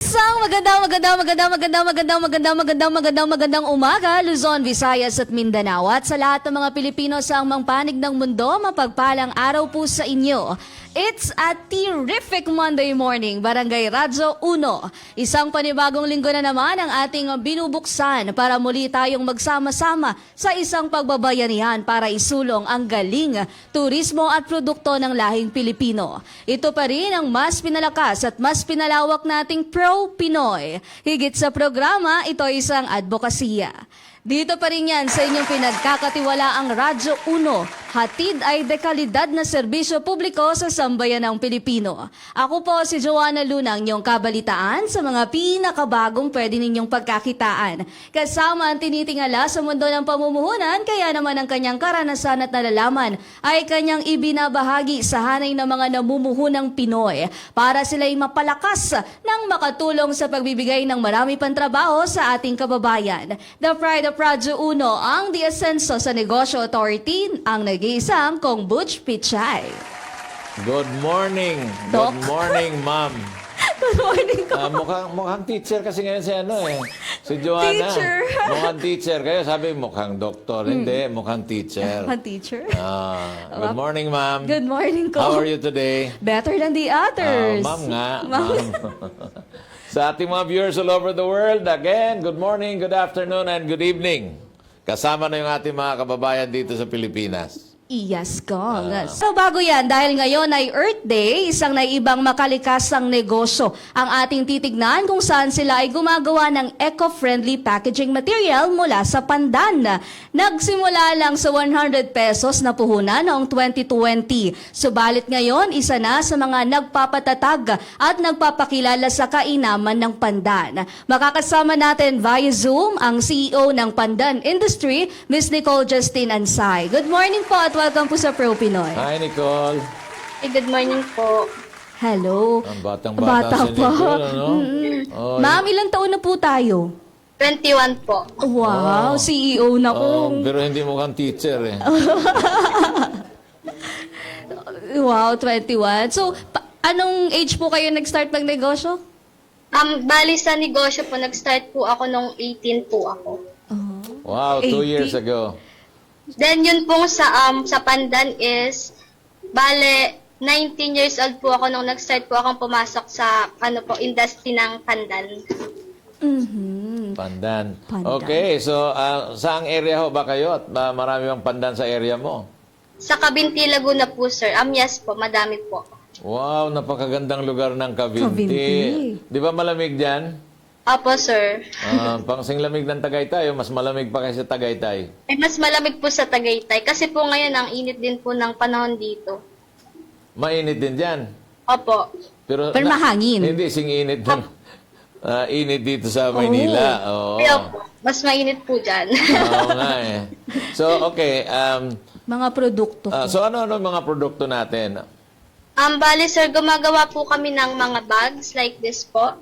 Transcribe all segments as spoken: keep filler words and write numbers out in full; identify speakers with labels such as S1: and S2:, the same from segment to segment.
S1: Isang magandang, magandang, magandang, magandang, magandang, magandang, magandang, magandang, magandang umaga, Luzon, Visayas at Mindanao. At sa lahat ng mga Pilipino sa amang panig ng mundo, mapagpalang araw po sa inyo. It's a terrific Monday morning, Barangay Radyo uno. Isang panibagong linggo na naman ang ating binubuksan para muli tayong magsama-sama sa isang pagbabayanihan para isulong ang galing, turismo at produkto ng lahing Pilipino. Ito pa rin ang mas pinalakas at mas pinalawak nating pro-Pinoy. Higit sa programa, ito ay isang advokasya. Dito pa rin yan sa inyong pinagkakatiwalaang Radyo uno. Hatid ay dekalidad na serbisyo publiko sa sambayan ng Pilipino. Ako po si Joanna Luna, ang inyong kabalitaan sa mga pinakabagong pwede ninyong pagkakitaan. Kasama ang tinitingala sa mundo ng pamumuhunan, kaya naman ang kanyang karanasan at nalalaman ay kanyang ibinabahagi sa hanay ng mga namumuhunang Pinoy para sila'y mapalakas ng makatulong sa pagbibigay ng marami pang trabaho sa ating kababayan. The Pride of Radyo uno, ang The Ascenso sa Negosyo Authority, ang nag-iisang Kong Butch Pichay.
S2: Good morning.
S1: Doc.
S2: Good morning, ma'am.
S1: Good morning ko.
S2: Ah, mukhang, mukhang teacher kasi ngayon si ano eh. Si Joanna.
S1: Teacher.
S2: Mukhang teacher. Kayo sabi mukhang doktor. Hindi, mukhang teacher.
S1: Mga teacher.
S2: Ah, good morning, ma'am.
S1: Good morning ko.
S2: How are you today?
S1: Better than the
S2: Ah,
S1: others.
S2: ma'am nga.
S1: Ma'am.
S2: Ma'am. Sa ating mga viewers all over the world, again, good morning, good afternoon, and good evening. Kasama na yung ating mga kababayan dito sa Pilipinas.
S1: Yes, Kong. So bago yan, dahil ngayon ay Earth Day, isang naibang makalikasang negosyo ang ating titignan kung saan sila ay gumagawa ng eco-friendly packaging material mula sa pandan. Nagsimula lang sa one hundred pesos na puhunan noong twenty twenty. Subalit ngayon, isa na sa mga nagpapatatag at nagpapakilala sa kainaman ng pandan. Makakasama natin via Zoom ang C E O ng Pandan Industry, Miss Nicole Justine Ansay. Good morning po at welcome po sa Pro Pinoy.
S2: Hi, Nicole.
S3: Hey, good morning po.
S1: Hello.
S2: Ang batang-bata
S1: Bata
S2: si
S1: pa.
S2: Nicole, ano?
S1: Mm-mm.
S2: Oh,
S1: Ma'am, ilang taon na po tayo?
S3: twenty-one po.
S1: Wow, C E O na
S2: oh,
S1: ko.
S2: pero hindi mukhang teacher eh.
S1: Wow, twenty-one. So, pa- anong age po kayo nag-start magnegosyo?
S3: Um, bali sa negosyo po, nag-start po ako nung eighteen po ako.
S1: Oh.
S2: Wow, two
S1: eighty.
S2: years ago.
S3: Then yun pong sa um sa Pandan is bale nineteen years old po ako nung nag-start po akong pumasok sa ano po industry ng Pandan.
S1: Mhm.
S2: Pandan.
S1: Pandan.
S2: Okay, so uh, saang area ho ba kayo at uh, marami bang pandan sa area mo?
S3: Sa Cabinti, Laguna po, sir. Um, yes po, madami po.
S2: Wow, napakagandang lugar ng Cavinti.
S1: Cavinti.
S2: Di ba malamig dyan?
S3: Opo, sir.
S2: Uh, pangsing lamig ng Tagaytay, o mas malamig pa kaysa Tagaytay.
S3: Eh, mas malamig po sa Tagaytay kasi po ngayon ang init din po ng panahon dito.
S2: Mainit din dyan.
S3: Opo.
S2: Pero,
S1: Pero mahangin.
S2: Hindi, sing init din. Uh, init dito sa Maynila. Oo.
S3: Kaya po, mas mainit po dyan.
S2: Oo nga eh. So, okay. Um,
S1: Mga produkto
S2: uh,
S1: po.
S2: so, ano-ano mga produkto natin?
S3: Um, bali sir, gumagawa po kami ng mga bags like this po.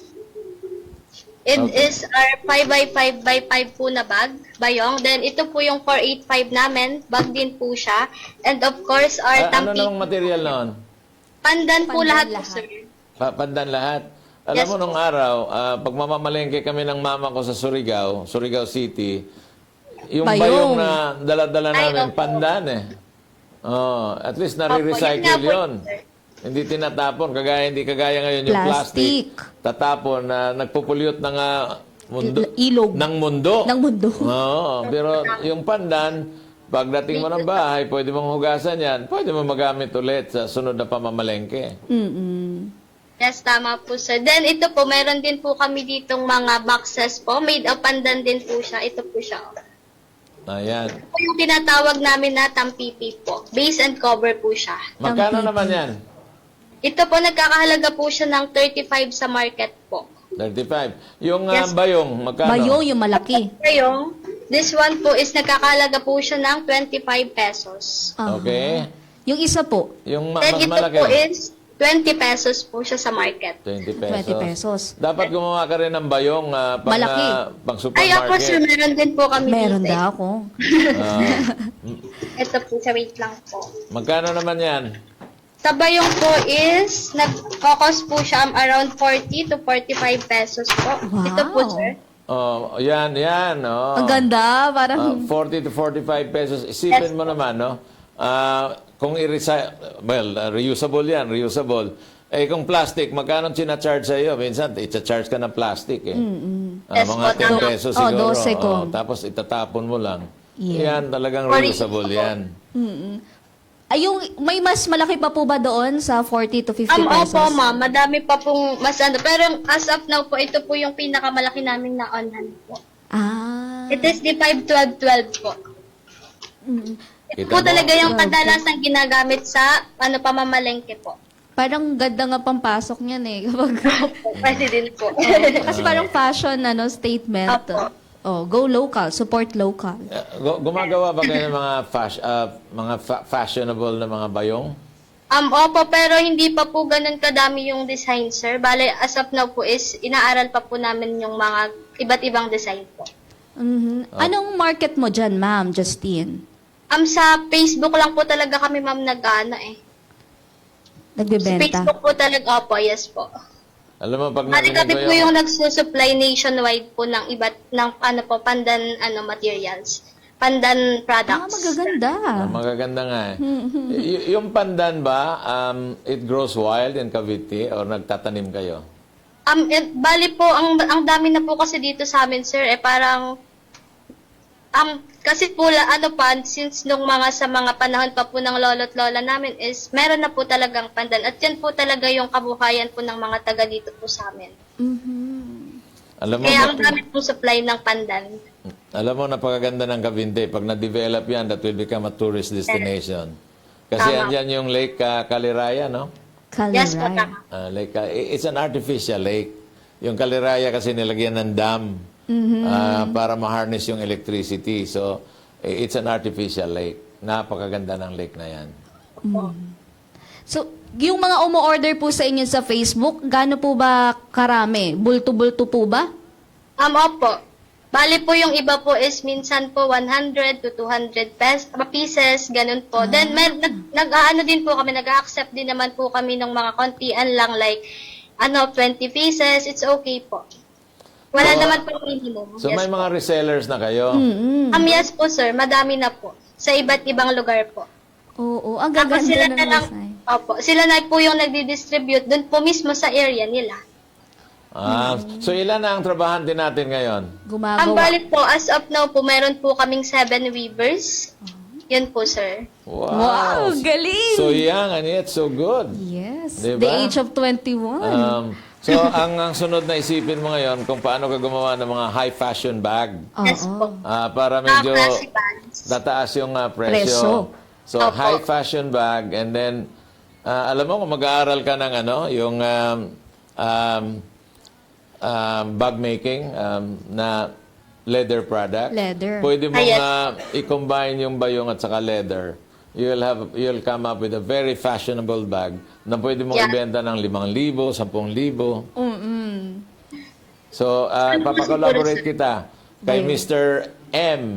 S3: It
S2: Okay.
S3: is our five by five by five po na bag, bayong. Then ito po yung four eighty-five namin, bag din po siya. And of course, our
S2: Ah, ano
S3: tampi.
S2: namang material noon?
S3: Pandan po
S1: Pandan
S3: lahat,
S1: lahat.
S3: po sir.
S2: Pa- Pandan lahat. Alam
S3: Yes,
S2: mo,
S3: po.
S2: nung araw, ah, pag mamamalengke kami ng mama ko sa Surigao, Surigao City, yung
S1: Bayong.
S2: bayong, na dala-dala
S3: Ay,
S2: namin,
S3: opo.
S2: pandan eh. Oh, at least
S3: Opo, yun nga
S2: nare-recycle
S3: po,
S2: yun.
S3: sir.
S2: Hindi tinatapon, kagaya hindi kagaya ngayon yung plastic.
S1: Plastic.
S2: Tatapon na nagpupulyot ng ah, mundo,
S1: Il- ilog.
S2: ng mundo.
S1: Ng mundo.
S2: Oo, pero yung pandan, pagdating mo ng bahay, pwede mong hugasan yan, pwede mo magamit ulit sa sunod na pamamalengke.
S1: Mm-mm.
S3: Yes, tama po sir. Then ito po, meron din po kami ditong mga boxes po. Made of pandan din po siya. Ito po siya.
S2: Ayan.
S3: Ito yung tinatawag namin na tampipi po. Base and cover po siya.
S2: Magkano
S1: Tampipi.
S2: naman yan?
S3: Ito po, nagkakahalaga po siya ng thirty-five sa market po.
S2: thirty-five. Yung ah,
S3: Yes.
S2: bayong, magkano?
S1: Bayong yung malaki.
S3: Ngayong, this one po is nagkakahalaga po siya ng twenty-five pesos.
S1: Aha.
S2: Okay.
S1: Yung isa po,
S2: Yung ma-
S3: Then
S2: mas
S3: ito
S2: malaki.
S3: po is twenty pesos po siya sa market.
S2: twenty pesos.
S1: twenty pesos.
S2: Dapat gumawa ka rin ng bayong ah, pang,
S1: Malaki.
S2: ah, pang
S3: Ay, ako sir,
S2: supermarket.
S3: meron din po kami
S1: Meron
S3: dito.
S1: daw ako.
S2: Ah,
S3: Ito po, sa wait lang po.
S2: magkano naman yan?
S3: Sa bayong po is, nag-cost po siya um, around forty to forty-five pesos po.
S1: Wow.
S3: Ito po, sir.
S2: Oh, yan, yan. Oh.
S1: Ang ganda,
S2: Ah,
S1: parang...
S2: forty to forty-five pesos. Isipin
S3: Yes,
S2: mo naman, no? Ah, kung i-recycle, well, uh, reusable yan, reusable. Eh, kung plastic, magkano sinacharge sa iyo? Minsan, i-charge ka ng plastic, eh. Ah,
S3: Yes,
S2: mga
S3: po,
S2: ten
S3: tama.
S2: pesos
S1: Oh,
S2: siguro.
S1: dose ko.
S2: Oh, tapos itatapon mo lang.
S1: Yeah.
S2: Yan, talagang
S3: Sorry.
S2: reusable yan.
S1: Ay, yung, may mas malaki pa po ba doon sa forty to fifty
S3: Um,
S1: pesos?
S3: opo, ma'am. Madami pa pong mas ano. Pero as of now po, ito po yung pinakamalaki namin na on-hand po.
S1: Ah.
S3: It is the five twelve twelve po.
S1: Mm.
S3: Ito
S2: Kita
S3: po
S2: mo?
S3: talaga yung kadalasang ginagamit sa ano pamamalengke po.
S1: Parang ganda nga pampasok niyan eh. Kapag,
S3: Pwede din po.
S1: kasi parang fashion ano, statement.
S3: Apo.
S1: Oh, go local, support local.
S2: Uh, gu- Gumagawa ba kayo ng mga, fash, uh, mga fa- fashionable na mga bayong?
S3: Um, opo, pero hindi pa po ganun kadami yung design, sir. Bale, as of now po is, inaaral pa po namin yung mga iba't ibang design po.
S1: Mhm.
S2: Oh.
S1: Anong market mo dyan, ma'am, Justine?
S3: Um, sa Facebook lang po talaga kami, ma'am, nag-ano eh. Sa
S1: Nagbebenta?
S3: Facebook po talaga, opo, yes po.
S2: Alam mo, pag
S3: Bali
S2: narinig
S3: kami
S2: ko
S3: po
S2: yung...
S3: yung nagsusupply nationwide po ng iba't, ng ano po, pandan, ano, materials. Pandan
S1: Ah,
S3: products.
S1: magaganda.
S2: Ah, magaganda nga eh. Y- yung pandan ba, um, it grows wild in Cavite or nagtatanim kayo?
S3: Um, eh, bali po, ang, ang dami na po kasi dito sa amin, sir, eh parang, um, kasi po, la- ano pa, since nung mga sa mga panahon pa po ng lolo't lola namin is, meron na po talagang pandan. At yan po talaga yung kabuhayan po ng mga taga dito po sa amin.
S1: Mhm.
S2: Alam mo,
S3: Kaya ang
S2: nap-
S3: dami po supply ng pandan.
S2: alam mo, napakaganda ng Cavite. Pag na-develop yan, that will become a tourist destination. Kasi
S3: Tama.
S2: andyan yung Lake uh, Caliraya, no?
S3: Yes po,
S1: Kaliray.
S3: tama.
S2: Ah, lake, uh, i- it's an artificial lake. Yung Caliraya kasi nilagyan ng dam ah, para ma-harness yung electricity. So, i- it's an artificial lake. Napakaganda ng lake na yan.
S1: So, yung mga umu-order po sa inyo sa Facebook, gaano po ba karami? Bulto-bulto po ba?
S3: Um, opo. Bali po yung iba po is minsan po one hundred to two hundred pes, pieces, ganun po. Then may, nag, nag-aano din po kami, nag-accept din naman po kami ng mga kontian lang like ano twenty pieces, it's okay po. Wala
S2: So,
S3: naman po minimum.
S2: So,
S3: yes,
S2: may
S3: po.
S2: mga resellers na kayo.
S1: Mm-mm.
S3: Um, yes po sir, madami na po. Sa iba't ibang lugar po.
S1: Oo, ang
S3: Tapos
S1: gaganda
S3: sila
S1: ng
S3: na lang,
S1: design.
S3: opo, sila na po yung nagdi-distribute dun po mismo sa area nila.
S2: Ah, so, ilan na ang trabahante natin ngayon?
S3: Ang
S1: Gumagawa.
S3: balik po, as of now po, meron po kaming seven weavers. Yun po, sir.
S1: Wow, galing!
S2: So young and yet so good.
S1: Yes,
S2: Diba?
S1: the age of twenty-one.
S2: Um, so, ang, ang sunod na isipin mo ngayon kung paano ka gumawa ng mga high fashion bag.
S3: Yes
S1: Oo.
S3: po.
S2: Ah, para
S3: Mga
S2: medyo
S3: classy bags.
S2: tataas yung ah, presyo.
S1: Presyo.
S2: So,
S3: Opo.
S2: high fashion bag and then, ah, alam mo kung mag-aaral ka ng ano, yung um, um, um, bag making um, na leather product.
S1: Leather.
S2: Pwede mo
S3: Ah, yes.
S2: ah, i-combine yung bayong at saka leather. You'll have you'll come up with a very fashionable bag na pwede mong
S3: Yeah.
S2: ibenta ng limang libo, sampung libo.
S1: Mm-mm.
S2: So, uh,
S3: Ano po
S2: papakolaborate
S3: siguro,
S2: kita kay
S1: Ayun.
S2: Mister M.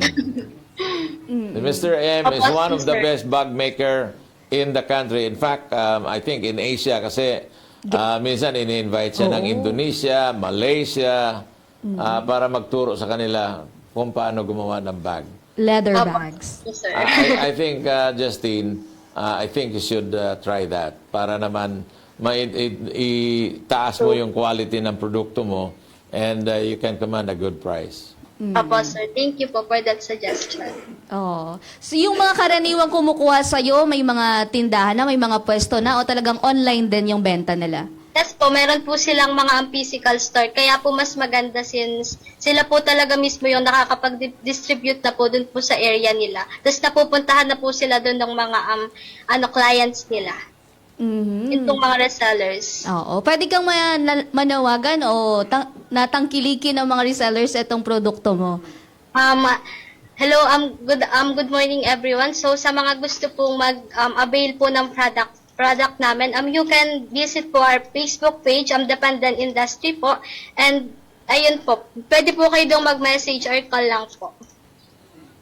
S2: The Mister M is
S3: Opo,
S2: one of the
S3: Mister
S2: best bag maker in the country. In fact, um, I think in Asia kasi uh, minsan ini-invite siya ng
S1: Oo.
S2: Indonesia, Malaysia, uh, para magturo sa kanila kung paano gumawa ng bag.
S1: Leather
S3: Opo.
S1: bags.
S3: Yes, sir.
S2: Uh, I, I think, uh, Justine, uh, I think you should uh, try that para naman ma- i- i- itaas mo yung quality ng produkto mo and uh, you can command a good price.
S3: Opo, sir. Thank you po for that suggestion.
S1: Oh. So yung mga karaniwang kumukuha sa iyo, may mga tindahan na, may mga pwesto na o talagang online din yung benta nila?
S3: Yes po, meron po silang mga um, physical store. Kaya po mas maganda since sila po talaga mismo yung nakakapag-distribute na po dun po sa area nila. Tapos napupuntahan na po sila dun ng mga um, ano clients nila.
S1: Mhm.
S3: Itong mga resellers.
S1: Oo. Pwede kang mana- manawagan o tang- natangkilikin ng mga resellers itong produkto mo.
S3: Um, hello, um, good, um, good morning everyone. So sa mga gusto pong mag-avail po ng product product namin, um, you can visit po our Facebook page, um, The Pandan Industry po. And ayun po, pwede po kayo doon mag-message or call lang po.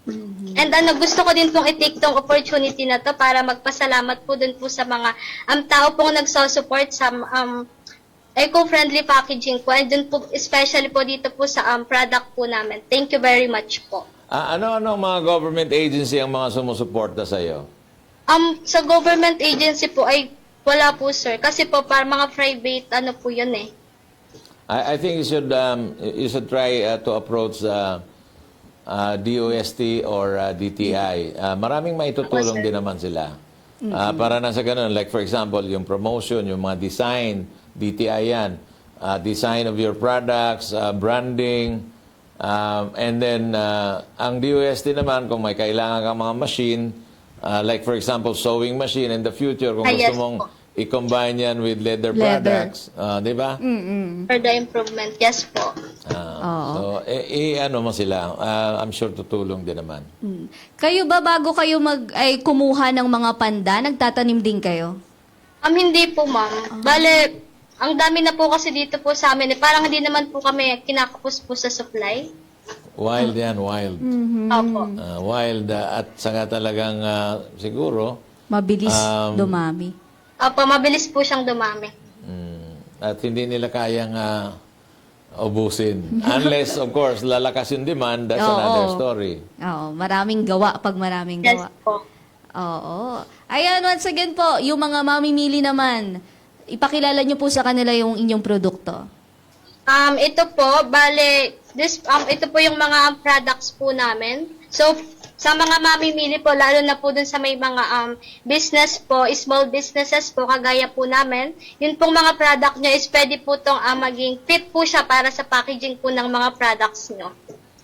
S3: And ano, gusto ko din pong i-take tong opportunity na to para magpasalamat po dun po sa mga um, tao pong nagsosupport sa um, eco-friendly packaging po. And dun po, especially po dito po sa um, product po namin. Thank you very much po.
S2: Ah, ano-ano mga government agency ang mga sumusuporta sa iyo?
S3: Um, sa government agency po ay wala po, sir. Kasi po, para mga private, ano po yun eh.
S2: I, I think you should um, you should try uh, to approach uh, uh, D O S T or uh, D T I. Uh, maraming maitutulong
S3: Ako, sir.
S2: din naman sila. Uh, para na sa ganun, like for example, yung promotion, yung mga design, D T I yan. Uh, design of your products, uh, branding, um, and then uh, ang D O S T naman, kung may kailangan kang mga machine, uh, like for example, sewing machine in the future, kung
S3: Ah,
S2: gusto
S3: yes
S2: mong
S3: po.
S2: i-combine yan with leather,
S1: Leather.
S2: products, uh, di ba?
S3: For the improvement. Yes po.
S2: Ah,
S1: Oo.
S2: so, eh, eh, ano mo sila, ah, I'm sure tutulong din naman.
S1: Mm. Kayo ba bago kayo mag ay kumuha ng mga panda, nagtatanim din kayo?
S3: Um, hindi po, ma'am. Bale, ang dami na po kasi dito po sa amin. Eh, parang hindi naman po kami kinakapos po sa supply.
S2: Wild yan, wild.
S3: Opo.
S2: Ah, wild ah, at saka talagang ah, siguro,
S1: Mabilis
S2: Um,
S1: dumami.
S3: Opo, mabilis po siyang dumami.
S2: mm, at hindi nila kayang ah, ubusin. Unless, of course, lalakas yung demand, that's
S1: Oo.
S2: another story.
S1: Oo, maraming gawa pag maraming
S3: Yes
S1: gawa.
S3: po.
S1: Oo. Ayan, once again po, yung mga mamimili naman, ipakilala nyo po sa kanila yung inyong produkto.
S3: Um, ito po, bale, this, um, ito po yung mga um, products po namin. So, sa mga mamimili po, lalo na po dun sa may mga um, business po, small businesses po, kagaya po namin, yun pong mga product nyo is pwede po itong um, maging fit po siya para sa packaging po ng mga products nyo.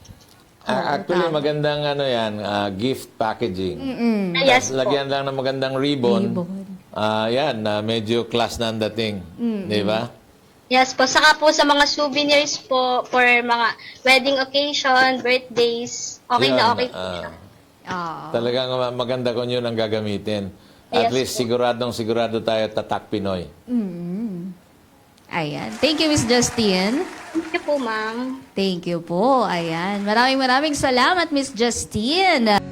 S2: Ah, actually, magandang ano yan, ah, gift packaging.
S3: Ah, yes po.
S2: Lagyan lang ng magandang ribbon.
S1: Ribbon.
S2: Ah, yan, na medyo class na ang dating. Di ba?
S3: Yes po, saka po sa mga souvenirs po, for mga wedding occasion, birthdays, okay
S2: Yun,
S3: na okay po
S2: ah,
S3: siya.
S1: Oo.
S2: Talagang ma- maganda kung yun ang gagamitin. At
S3: Yes
S2: least siguradong sigurado tayo tatak Pinoy.
S1: Mm. Ayan. Thank you, Miss Justine.
S3: Thank you po, ma'am.
S1: Thank you po. Ayan. Maraming maraming salamat, Miss Justine.